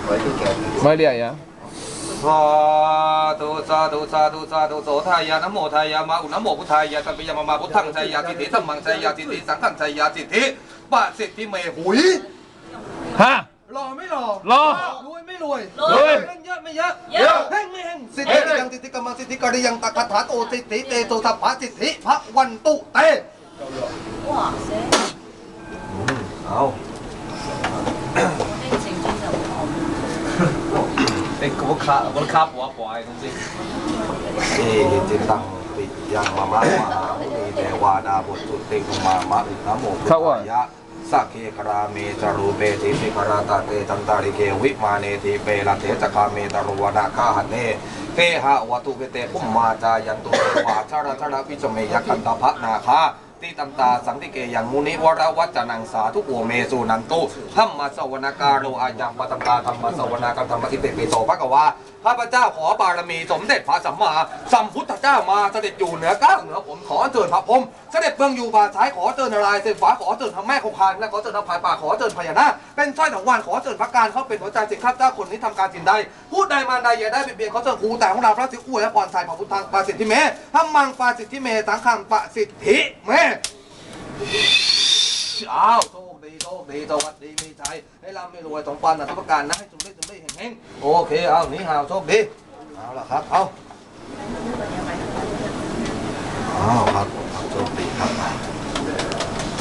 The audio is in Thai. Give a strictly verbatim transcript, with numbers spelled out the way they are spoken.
ไม่เรียกอ่ะสาธุสาธุสาธุสาธุโสทายานะโมทายามาอุนะโมพุทธายาสัมปิยามาพุทธังชัยยาสิทธิสัมมังชัยยาสิทธิสังฆังชัยยาสิทธิปะสิทธิเมหุยฮะรอไม่รอรอรวยไม่รวยรวยเล่นเยอะไม่เยอะเยอะแห้งไม่แห้งสิทธิยังสิทธิกรรมสิทธิกริยังตะคาถาโตสิทธิเตโตทัพพะสิทธิพระวันตุเต哇塞！ เอาเป็นกุบคาบุคาปัวปอยจริงเอจิตังปิยังมามะมหาอุนีเทวาดาบุตรติกุมามะอุณโมพุทธายะสักเคคราเมจารูเปติสิคราตาเตตันตาริเกวิมาเนทีเปลาเทจคาเมตารุวนาคาหันเนเกหะวัตุเกเตภุมมาจายันตุวาชาราชาราวิจเมยกันตาภนาคาติตันตาสังติเกยังมุนิวรวัจจนังสาทุโอเมสุนันตุธรรมสวนาการโลอายังปตัมตาธรรมสวนาการธรรมสิเตปิโสภะกวาข้าพเจ้าขอบารมีสมเด็จพระสัมมาสัมพุทธเจ้ามาเสด็จอยู่เหนือก้าวเหนือผมขอเจิญพระพรหมเสด็จเบื้องอยู่บ่าซ้ายขอเจิญนารายณ์เสด็จฝาขอเจิญพระแม่คงคานและขอเจิญพระพายป่าขอเจิญพญานาคเป็นสร้อยถังวานขอเจิญพระการเขาเป็นหัวใจสิข้าพเจ้าคนนี้ทำการสิ่งใดพูดใดมาใดอย่าได้เบียดเบียนเขาเจิญครูแต่ของเราพระสิอุ้ยและพรชัยพระพุทธังปาสิทธิเมธรรมังปาสิทธิเมสังฆังปาสิทธิเมอ้าวโชคดีโชคดีสวัสดีมีชัยให้ร่ำให้รวยสมปรารถนาทุกประการนะให้จุ่มได้จุ่มได้แห่งๆโอเคเอาหนีห่าวโชคดีเอาล่ะครับเอาเอาครับโชคดีครับ